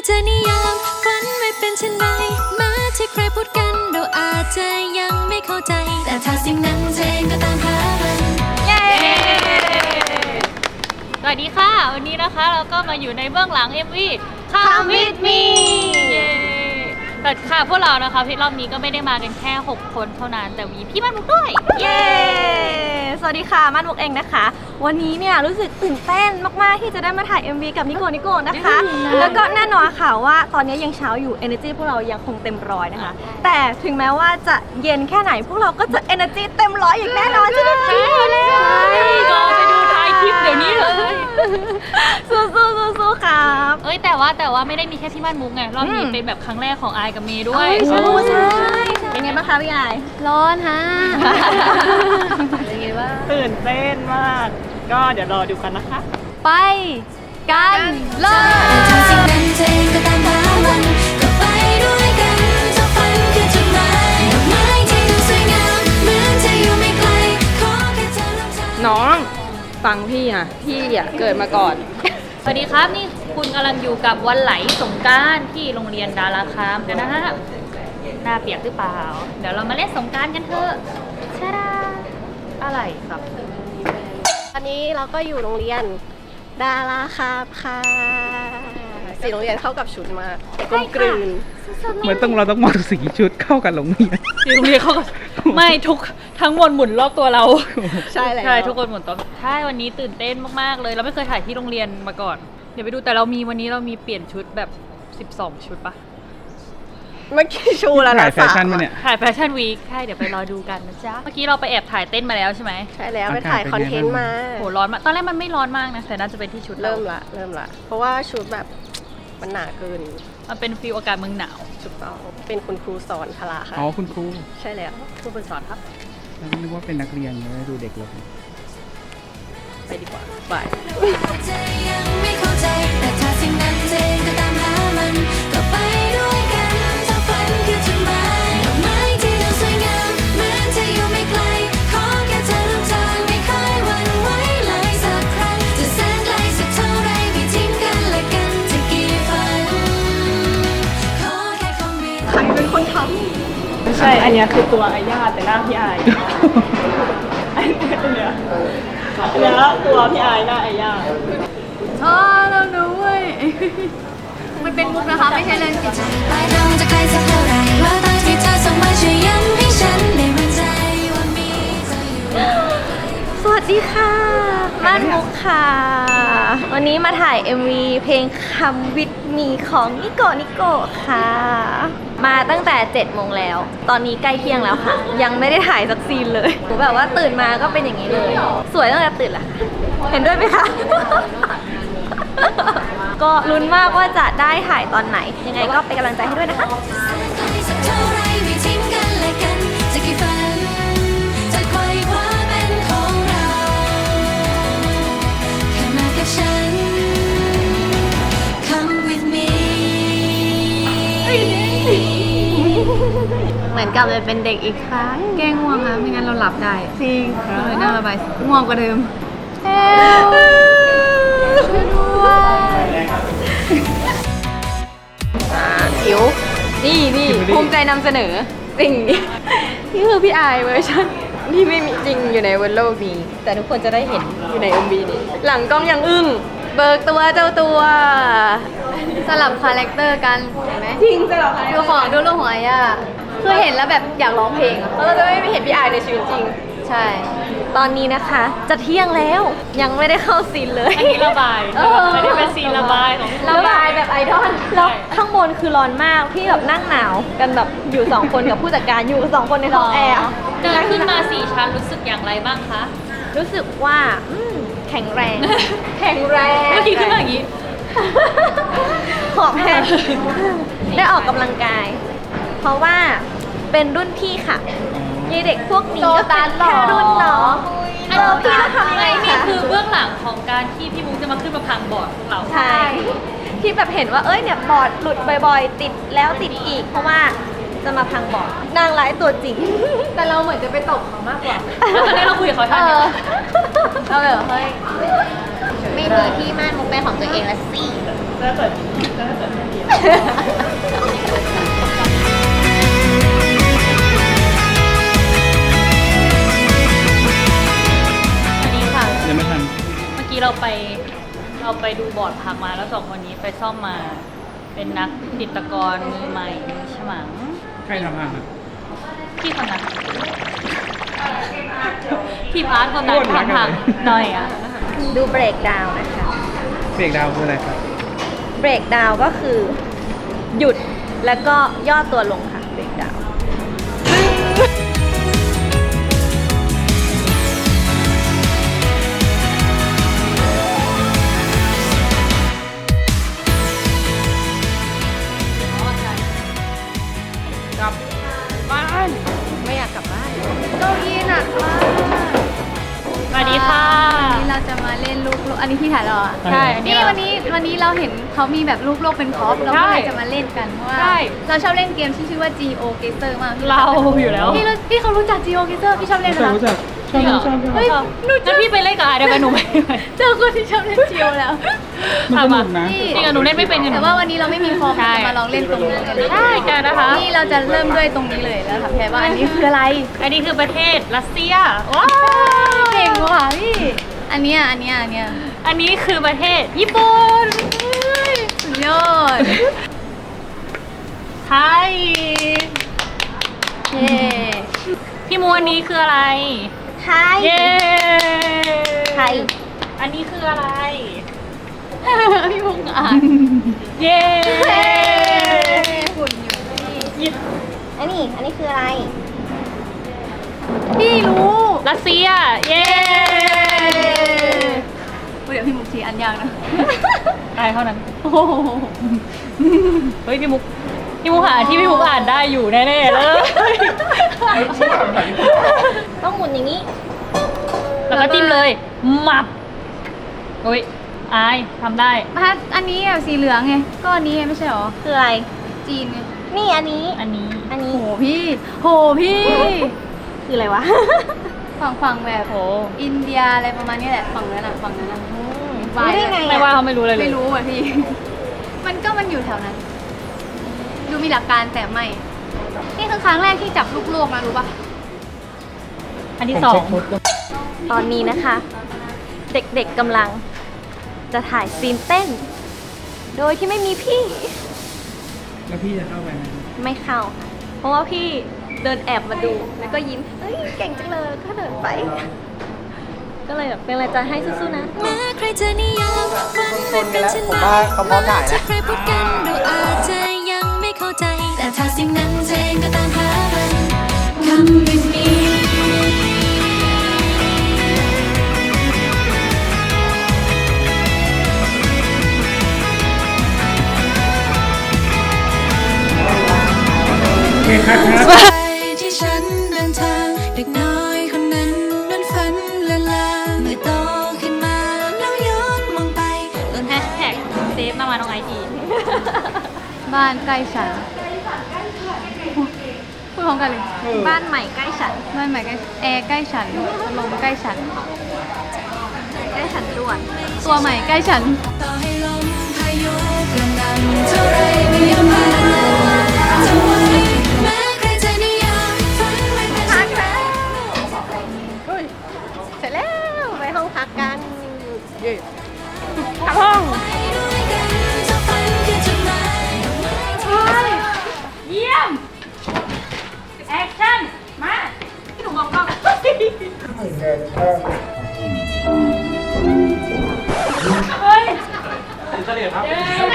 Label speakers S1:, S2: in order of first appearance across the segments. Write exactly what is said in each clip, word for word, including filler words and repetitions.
S1: จะนิยามฝันไม่เป็นเช่นไรแม้ที่ใครพูดกันเราอาจจะยังไม่เข้าใจแต่ถ้าสิ่งนั้นเองก็ตามหามัน
S2: เย้สวัสดีค่ะวันนี้นะคะเราก็มาอยู่ในเบื้องหลัง เอ็ม วี Come with me เย้แต่ค่ะพวกเรานะคะพี่รอบนี้ก็ไม่ได้มากันแค่หกคนเท่านั้นแต่มีพี่มันมุกด้วย
S3: เย้สวัสดีค่ะมันมุกเองนะคะวันนี้เนี่ยรู้สึกตื่นเต้นมากๆที่จะได้มาถ่าย เอ็ม วี กับนิโกนิโกนะคะแล้วก็แน่นอนค่ะว่าตอนนี้ยังเช้าอยู่ energy พวกเรายังคงเต็มร้อยนะคะแต่ถึงแม้ว่าจะเย็นแค่ไหนพวกเราก็จะ energy เต็มร้อยอย่างแน่นอนใช่ไหมคะ
S2: ก็ไปดูท้ายคลิปเดี๋ยวนี้เลย
S3: สู้ๆสู้ๆครับ
S2: เอ้ยแต่ว่าแต่ว่าไม่ได้มีแค่พี่มันมุกไงรอบนี้เป็นแบบครั้งแรกของอายกับเมย์ด้วย
S3: ใช่ใช่เป็นไงบ้างคะพี่อาย
S4: ร้อนฮะ
S3: เป็นไงบ้าง
S5: ตื่นเต้นมากก็เดี๋ยวรอดูกันนะคะ
S4: ไปกันเลย
S1: ทำสิ่งนั้นเองก็ตามหามันก็ไปด้วยกันจะฝันคือจุดหมายดอกไม้ที่ดูสวยงามเหมือนจะอยู่ไม่ไกลขอแค่เธอรับใจ
S4: น้องฟังพี่นะพี่อ่ะเกิดมาก่อน
S2: สวัสดีครับนี่คุณกำลังอยู่กับวันไหลสงกรานต์ที่โรงเรียนดาราคามกันนะฮะหน้าเปียกหรือเปล่าเดี๋ยวเรามาเล่นสงกรานต์กันเถอะชาดาอะไรครับ
S3: ตอนนี้เราก็อยู่โรงเรียนดาราคามค่ะสีโรงเรียนเข้ากับชุดมากกลมกลืน
S5: เหมือนต้องเราต้องมองสีชุดเข้ากันโรงเรียน
S2: สีโรงเรียนเข้ากับไม่ทุกทั้งหมดหมุนรอบตัวเรา
S3: ใช่เลย
S2: ใช่ทุกคนหมุนตัวใช่วันนี้ตื่นเต้นมากๆเลยเราไม่เคยถ่ายที่โรงเรียนมาก่อนเดี๋ยวไปดูแต่เรามีวันนี้เรามีเปลี่ยนชุดแบบสิบสองชุดปะ
S3: เมื่อกี้ชูแล้วนะ
S5: ถ่ายแฟชั่นมาเนี่ย
S2: ถ่ายแฟชั่นวีคใช่เดี๋ยวไปรอดูกันนะจ๊ะเมื่อกี้เราไปแอบถ่ายเต้นมาแล้วใช่ไหม
S3: ใช่แล้วไปถ่ายคอนเทนต์มา
S2: โหร้อนมากตอนแรกมันไม่ร้อนมากนะแต่น่าจะเป็นที่ชุด
S3: เริ่มละเริ่มละเพราะว่าชุดแบบมันหนาเกิน
S2: มันเป็นฟีลอากาศเมืองหนาว
S3: ถูกต้องเป็นคุณครูสอนพละค่ะ
S5: อ๋อคุณครู
S3: ใช่แล้ว
S2: ครูเป็นสอนครับ
S5: แล้วนึกว่าเป็นนักเรียนเลยดูเด็กลง
S3: ไปดีกว่าไป
S1: ยังไม่เข้าใจแต่ถ้าสิ่งนั้นเองก็ตามหามันก็ไปด้วยกันถ้าฝันคือจุดหมายดอกไม้ที่ดูสวยงามเหมือนจะอยู่ไม่ไกลขอแค่เธอรู้ทางไม่ค่อยหวั่นไหวเลยสักครั้งจะแสนไกลสักเท่าไรไม่ทิ้งกันและกันจะกี่ฝันขอแค่คงมี
S3: ใครเป็นคนท
S5: ำไม่ใช่อันนี้คือตัวอาญาแต่หน้าพี่อายอันนี้ตัวเนี้ยแล้วตัวพี่อายหน้าอาญา
S4: อ๋อเราดูเว้ยมันเป็นมุกนะคะไม่ใช่เล่นจริง
S1: ปลายทางจะไกลสักเท่าไรว่าตาที่เธอส่งมาช่วยย้ำให้ฉันได้มั่นใจว่ามีเธออยู่
S3: สวัสดีค่ะม่านมุกค่ะวันนี้มาถ่าย เอ็ม วี เพลง Come with me ของนิโกนิโกค่ะมาตั้งแต่เจ็ดโมงแล้วตอนนี้ใกล้เที่ยงแล้วค่ะยังไม่ได้ถ่ายสักซีนเลยหนูแบบว่าตื่นมาก็เป็นอย่างนี้เลยสวยตั้งแต่ตื่นละเห็นด้วยไหมคะก็ลุ้นมากว่าจะได้ถ่ายตอนไหนยังไงก็เป็นกำลังใจให้ด้วยนะคะ
S4: เหมือนกับเลยเป็นเด็กอีกครั้งแก้ง่วงนะไม่งั้นเราหลับได้จริงก็เลยน่าระบายง่วงกว่าเดิมเฮ้ยช่วยด้วย
S3: จิ๋วนี่นี่ภูมิใจนำเสนอสิ่งนี้นี่คือพี่อายเวอร์ชันที่ไม่มีจริงอยู่ในบนโลกนี้แต่ทุกคนจะได้เห็นอยู่ใน เอ็ม วี นี้หลังกล้องยังอึ้งเบิกตัวเจ้าตัว
S4: สลับคาแรคเตอร์กันเห็นไหม
S3: จริงสลับ
S4: ดูของดูลูกหัวย่าคือเห็นแล้วแบบอยากร้องเพลง
S3: เพราะเราจะไม่เห็นพี่อายในชีวิตจริง
S4: ใช่
S3: ตอนนี้นะคะจะเที่ยงแล้วยังไม่ได้เข้าซีนเลย
S2: อันนี้ระบายไม่ได้เป็นซีนระบายของ
S3: ระบายแบบไอดอลแล้วข้างบนคือร้อนมากพี่แบบนั่งหนาวกันแบบอยู่สองคนกับผู้จัดการอยู่สองคนในห้องแอร์
S2: เดินขึ้นมาสี่ชั้นรู้สึกอย่างไรบ้างคะ
S3: รู้สึกว่าแข็งแรงแข็งแรง
S2: เมื่อกี้ขึ้นมาอย่างนี้
S3: หอบแห้งได้ออกกำลังกายเพราะว่าเป็นรุ่นพี่ค่ะยีเด็กพวกนี้ก็เป็นแค่รุ่นน้อง
S2: อันนี้พี่ทำยังไงนี่คือเบื้องหลังของการที่พี่มุกจะมาขึ้นมาพังบอร์ดของเรา
S3: ใช่ที่แบบเห็นว่าเอ้ยเนี่ยบอร์ดหลุดบ่อยๆติดแล้วติดอีกเพราะว่าจะมาพังบอร์ดนางร้ายตัวจริง
S4: แต่เราเหมือนจะไปตบเขามากกว่า
S2: แล้วตอนนี้เราคุยกับเขาท่านเนี่ย
S3: เราแบบเฮ้ย
S4: ไม่มีที่ม่านมุกเป็นของตัวเองละสิ
S5: จะเปิดจะเปิดให้ดี
S2: อันนี้ค่ะ
S6: ยังไม่ทัน
S2: เมื่อกี้เราไปเราไปดูบอร์ดพักมาแล้วสองคนนี้ไปซ่อมมา เป็นนักจิตรกรมือใหม่มือฉมัง
S6: ใครทำงานอ่ะ
S2: พี่คนนั้นพี่พาร์ทคนนั้นทำพังหน่อยอ่ะ
S3: ดูเบรกดาวน์นะคะ
S6: เบรกดาวน์คืออะไรครับ
S3: เบรกดาวน์ก็คือ หยุดแล้วก็ย่อตัวลงค่ะเบรกดาวน์
S6: กลับบ้าน
S3: ไม่อยากกลับบ้าน
S4: เก้าอี้หนักมาก
S2: สวัสดีค่ะ
S4: วันนี้เราจะมาเล่นลูกโลกอันนี้พี่ถ่ายเหรอ
S2: ใช่อันนี้
S4: นี่
S2: เรา
S4: วันนี้วันนี้เราเห็นเขามีแบบลูกโลกเป็นพร็อพเราก็เลยจะมาเล่นกันเพราะว่า
S2: ใช่
S4: เราชอบเล่นเกมที่ชื่อว่า Geo Gazer มากพี่
S2: เราอยู่แล้ว
S4: พี่รู้พี่เขารู้จัก Geo Gazer พี่ชอบเล่นไหม
S6: รู้
S4: ล่ะ
S6: จักชอบชอบชอบ
S2: เฮ้ยหนูจะพี่ไปเล่นกับอาได้ไหมหนูไม่ไป
S4: เจอคนที่ชอบเล่น Geo แล้ว
S6: มันสนุกนะ
S4: นี่
S2: จริงอะหนูเล่นไม่เป็นกัน
S4: แต่ว่าวันนี้เราไม่มีคอม
S2: ใช่
S4: จะมาลองเล่นตรงนี้กัน
S2: ใช่กันนะคะ
S4: นี่เราจะเริ่มด้วยตรงนี้เลยแล้วถามแพรว่าอันนี้คืออะไร
S2: อันนี้คือประเทศรัสเซียว้า
S4: เก่งว่ะพี่อันเนี้ยอันเนี้ยอันเนี้ย
S2: อันนี้คือประเทศญี่ปุ่น
S4: สุดยอด
S2: ไทย
S4: เย้
S2: พี่มูอันนี้คืออะไร
S3: ไทย
S2: เย้
S3: ไทย
S2: อันนี้คืออะไร
S4: พี่มุกอ่าน
S2: เย้
S4: ฝุ่นอยู่พี่
S3: อันนี้ อันนี้คืออะไร
S4: พี่รู้
S2: รัสเซีย เย้
S4: เดี๋ยวพี่มุกชี้อันยากนะ
S2: ตายเท่านั้น
S4: โอ้โห
S2: เฮ้ยพี่มุก พี่มุกหาที่พี่มุกอ่านได้อยู่แน่ๆเลย
S3: ต้องหมุนอย่างนี้
S2: แล้วก็จิ้มเลยมับโอ้ยอายทำได้
S4: ถ้าอันนี้แบบสีเหลืองไงก็อันนี้ไงไม่ใช่หรอ
S3: คืออะไร
S4: จีนไง
S3: นี่อันนี้
S2: อันนี้
S3: อันนี้
S4: โหพี่โหพี่
S3: คืออะไรวะ
S4: ฝั่งฝั่งแบบ
S2: โห
S4: อินเดียอะไรประมาณนี้แหละฝั่งนั้นอ่ะฝั่งนั้นอ่ะ
S3: รู้ได้ไง
S2: ไม่
S3: อะ
S2: ว่าเขาไม่รู้เลยเลย
S4: ไม่รู้อ่ะพี่ มันก็มันอยู่แถวนั้น ดูมีหลักการแต่ไม่ นี่คือครั้งแรกที่จับลูกโลกนะรู้ปะ
S2: อันที่สอง
S3: ตอนนี้นะคะ เด็กๆกำลังจะถ่ายซีนเต้น โดยที่ไม่มีพี่
S6: แล้วพี่จะเข้าไปไหม
S3: ไม่เข้าค่ะ เพราะว่าพี่เดินแอบมาดู แล้วก็ยิ้ม เฮ้ย เก่งจังเลย ก็เดินไป ก็เลยแบบเป็นอะไรใจให้สู้ๆนะ
S1: แม้ใครจะนิยามฝันไม่เป็นเช่น
S7: ผม
S1: ไร
S7: ว่าเขาพร้อมถ่าย
S1: จะ
S7: นะ
S1: ใครพูดกันเราอาจจะยังไม่เข้าใจ แต่ถ้าสิ่งนั้นเจงก็ตามหามัน Come with me
S6: โอเคครับครับ
S1: ไปที่ฉันเดินทางเด็กน้อยคนนั้นนั้นฝันละลาเมื่อโตขึ้นมาแล้วย้อนมองไปต้น
S2: แฮชแท็กเซฟมามาน้องไอที
S4: บ้านใกล้ฉันพูดพร้อมกันเลย
S3: บ้านใหม่ใกล้ฉัน
S4: บ้านใหม่ใกล้แอร์ใกล้ฉันลมใกล้ฉัน
S3: ใกล้ฉันด่วน
S4: ตัวใหม่ใกล้ฉัน
S1: ต่อให้ลมพายุกระหน่ำเท่าไรไม่ยอมแพ้เธอไว้แม้ใครจะนิยามฝันไม่เป็นเช่นไร
S3: เสร็จแล้ว ไปห้องพักกัน
S1: ไปด้วยกันถ้าฝันคือจุดหมาย
S2: เยี่ยม แอคชั่น มาพี่หนูมองกล้องเฮ้ย
S6: เฉลี่ยครับ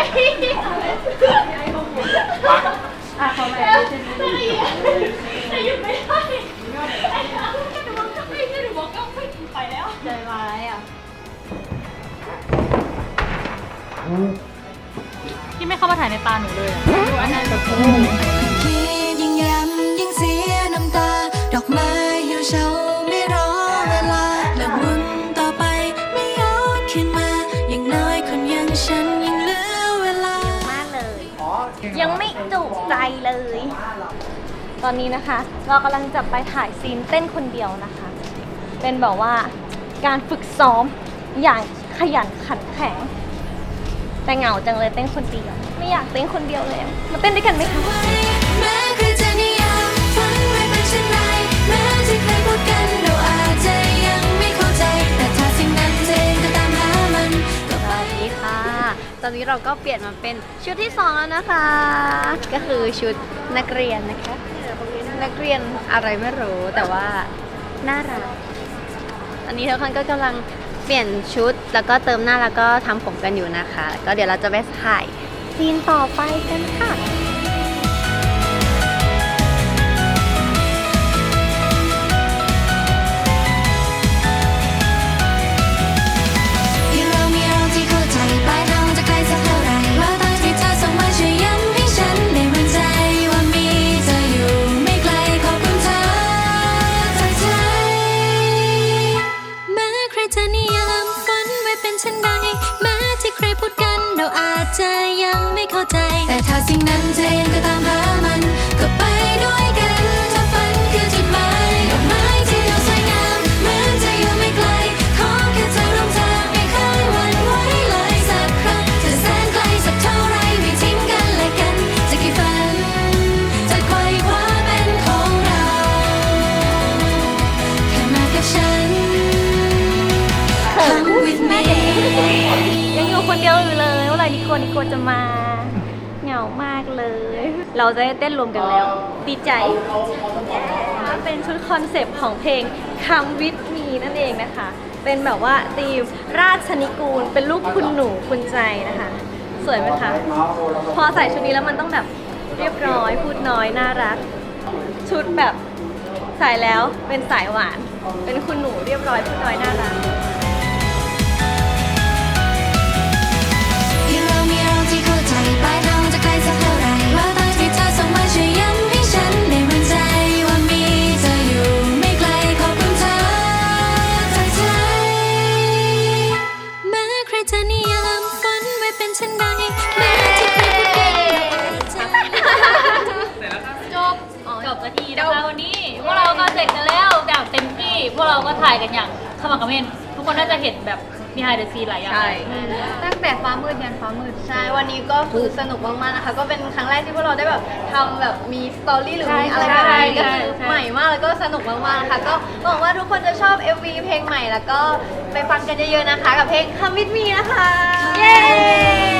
S2: อ่ะขอใหม่จะหยุดไม่ได้ไอ้น้องหนูมองกล้องไม่ได้หนูมองกล้องไม่ไปแล้วใจร้ายอ่ะพี่ไม่เข้ามาถ่ายในตาหนูเลยอ่ะ
S1: คิดยิ่งย้ำยิ่งเสียน้ำตา ดอกไม้เหี่ยวเฉาไม่รอเวลาและวนต่อไปไม่ย้อนขึ้นมา อย่างน้อยคนอยังฉันยังเหลือเวลา
S3: มากเลย ยังไม่จุใจเลย ตอนนี้นะคะ เรากำลังจะไปถ่ายซีนเต้นคนเดียวนะคะ เป็นแบบว่าการฝึกซ้อมอย่างขยันขันแข็งแต่เหงาจังเลยเต้นคนเดียวไม่อยากเต้นคนเดียวเลยอะมาเต้นด้วยกันไหมคะ
S1: แม้ใครจะนิยามฝันไว้เป็นเช่นไรแม้ที่เคยพูดกันเราอาจจะยังไม่เข้าใจแต่ถ้าสิ่งนั้นเจนก็ตามหามันก็ไป
S3: สวัสดีค่ะ ตอนนี้เราก็เปลี่ยนมาเป็นชุดที่สองแล้วนะคะ ก็คือชุดนักเรียนนะคะ นักเรียนอะไรไม่รู้แต่ว่าน่ารัก อันนี้ทุกคนก็กำลังเปลี่ยนชุดแล้วก็เติมหน้าแล้วก็ทำผมกันอยู่นะคะ ก็เดี๋ยวเราจะไปถ่ายซีนต่อไปกันค่ะ
S1: ที่เรามีเราที่เข้าใจปลายทางจะไกลสักเท่าไหร่ว่าตอนที่เธอส่งมาช่วยย้ำให้ฉันได้มั่นใจว่ามีเธออยู่ไม่ไกลขอบคุณเธอจากใจแม้ใครจะนิยามฝันไว้เป็นเช่นใดแม้ที่ใครพูดกันเราอาจจะยังไม่เข้าใจแต่ถ้าสิ่งนั้นเธอเองก็ตามหามันก็ไปด้วยกันถ้าฝันคือจุดหมายดอกไม้ที่เราสวยงามเหมือนจะอยู่ไม่ไกลขอแค่เธอร่วมทางไม่เคยหวั่นไหวเลยสักครั้งจะแสนไกลสักเท่าไรไม่ทิ้งกันและกันจะกี่ฝันจะไขว่คว้าเป็นของเราแค่มากับฉัน Come with me
S3: ยังอยู่คนเดียวอยู่เลยเมื่อไหร่นิโกนิโกจะมาเหงามากเลย เราจะได้เต้นรวมกันแล้ว ดีใจเป็นชุดคอนเซปต์ของเพลง Come with me นั่นเองนะคะ เป็นแบบว่าธีมราชนิกูลเป็นลูกคุณหนูคุณใจนะคะ สวยไหมคะ พอใส่ชุดนี้แล้วมันต้องแบบเรียบร้อยพูดน้อยน่ารัก ชุดแบบใส่แล้วเป็นสายหวาน เป็นคุณหนูเรียบร้อยพูดน้อยน่ารัก
S1: ที่เรามีเราที่เข้าใจปลายทางจะไกลสักเท่าไหร่ว่าตอนที่เธอส่งมาช่วยย้ำให้ฉันได้มั่นใจว่ามีเธออยู่ไม่ไกลขอบคุณเธอจากใจแม้ใครจะนิยามฝันไว้เป็นเช่นใดแม้ที่ใครพูดกันเราอาจจะ
S2: จบจบสักทีนะคะวันนี้พวกเราก็เสร็จกันแล้วแบบเต็มที่พวกเราก็ถ่ายกันอย่างขมักเขม้นทุกคนน่าจะเห็นแบบ behind the scene หลายอย่าง
S4: ใช่
S2: ตั้งแต่ฟ้ามืดยันฟ้ามืด
S3: ใช่ วันนี้ก็คือสนุกมากๆนะคะ ก็เป็นครั้งแรกที่พวกเราได้แบบทำแบบมีสตอรี่หรือ
S2: ใช่
S3: มีอะไรแบบนี้
S2: ใช่
S3: ก็คือ
S2: ใช่
S3: ใหม่มากแล้วก็สนุกมากๆนะคะ ก็หวังว่าทุกคนจะชอบ เอ็ม วี เพลงใหม่แล้วก็ไปฟังกันเยอะๆนะคะ กับเพลง Come with me นะคะ เย้